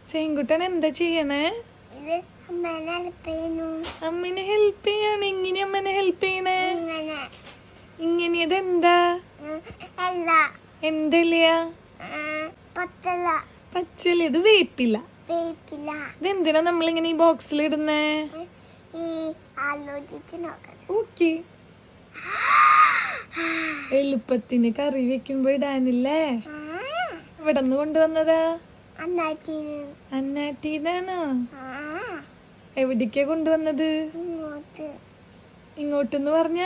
സെയിൻകുട്ടൻ എന്താ ചെയ്യണേ? അമ്മനെ ഹെൽപ്പ് ചെയ്യാണ്. എങ്ങനെ അമ്മനെ ഹെൽപ്പ് ചെയ്യണേ? ഇങ്ങനെ ഇതെന്താ? എന്തല്ല? പച്ചല. ഇത് വേപ്പില്ല. ഇതെന്തിനാ നമ്മളിങ്ങനെ ഈ ബോക്സിൽ ഇടുന്നേ? ഓക്കെ. എളുപ്പത്തിന് കറി വെക്കുമ്പോ ഇടാനില്ലേ? ഇവിടെ നിന്ന് കൊണ്ടുവന്നതാ? അന്നാട്ടീന്നാണോ? എവിടേക്കാ കൊണ്ടുവന്നത്? ഇങ്ങോട്ടെന്ന് പറഞ്ഞ?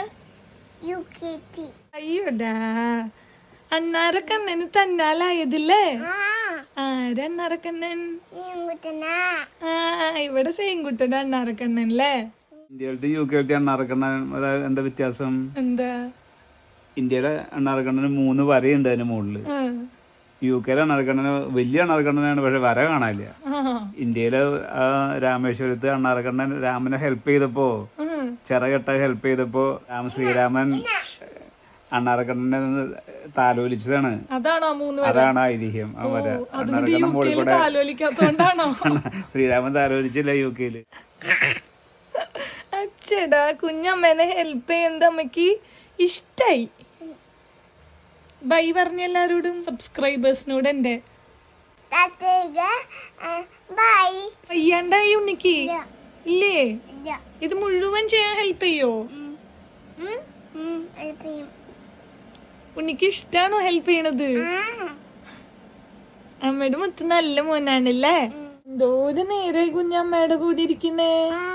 അയ്യോടാ, അണ്ണാരക്കണ്ണന് തന്നാലായതില്ലേ? ആരണ്ണാരക്കണ്ണൻ? ഇവിടെ സെയിൻകുട്ടൻ അണ്ണാരക്കണ്ണൻ അല്ലേ? ഇന്ത്യയിലത്തെ UK അണ്ണാറക്കണ്ണൻ എന്താ വ്യത്യാസം? എന്താ? ഇന്ത്യയിലെ അണ്ണാറക്കണ്ണന് 3 വരയുണ്ട് അതിന്റെ മുകളില്. UK അണ്ണാറക്കണ്ണന് വലിയ അണ്ണാറക്കണ്ണനാണ്, പക്ഷെ വര കാണാനില്ല. ഇന്ത്യയിലെ രാമേശ്വരത്ത് അണ്ണാറക്കണ്ണൻ രാമനെ ഹെൽപ്പ് ചെയ്തപ്പോ, ചിറകെട്ട ഹെൽപ്പ് ചെയ്തപ്പോ ശ്രീരാമൻ അണ്ണാറക്കണ്ണനെ താലോലിച്ചതാണ്. അതാണ് ഐതിഹ്യം. ആ വര അണ്ണാറക്കണ്ണൻ മുകളിൽ കൂടെ ശ്രീരാമൻ താലോലിച്ചില്ല UK. അച്ഛടാ, കുഞ്ഞമ്മേനെ ഹെൽപ്പ് ചെയ്യുന്നത് അമ്മക്ക് ഇഷ്ടായി. ബൈ പറഞ്ഞ എല്ലാരോടും, സബ്സ്ക്രൈബേഴ്സിനോട്. എന്റെ വയ്യാണ്ടായി ഉണ്ണിക്ക് ഇല്ലേ? ഇത് മുഴുവൻ ചെയ്യാൻ ഹെൽപ്പ് ചെയ്യോ? ഉണ്ണിക്ക് ഇഷ്ടാണോ ഹെൽപ്പ് ചെയ്യണത്? അമ്മയുടെ മുത്ത് നല്ല മോനാണല്ലേ? എന്തോ ഒരു നേരെ കുഞ്ഞമ്മയുടെ കൂടെ ഇരിക്കുന്നേ.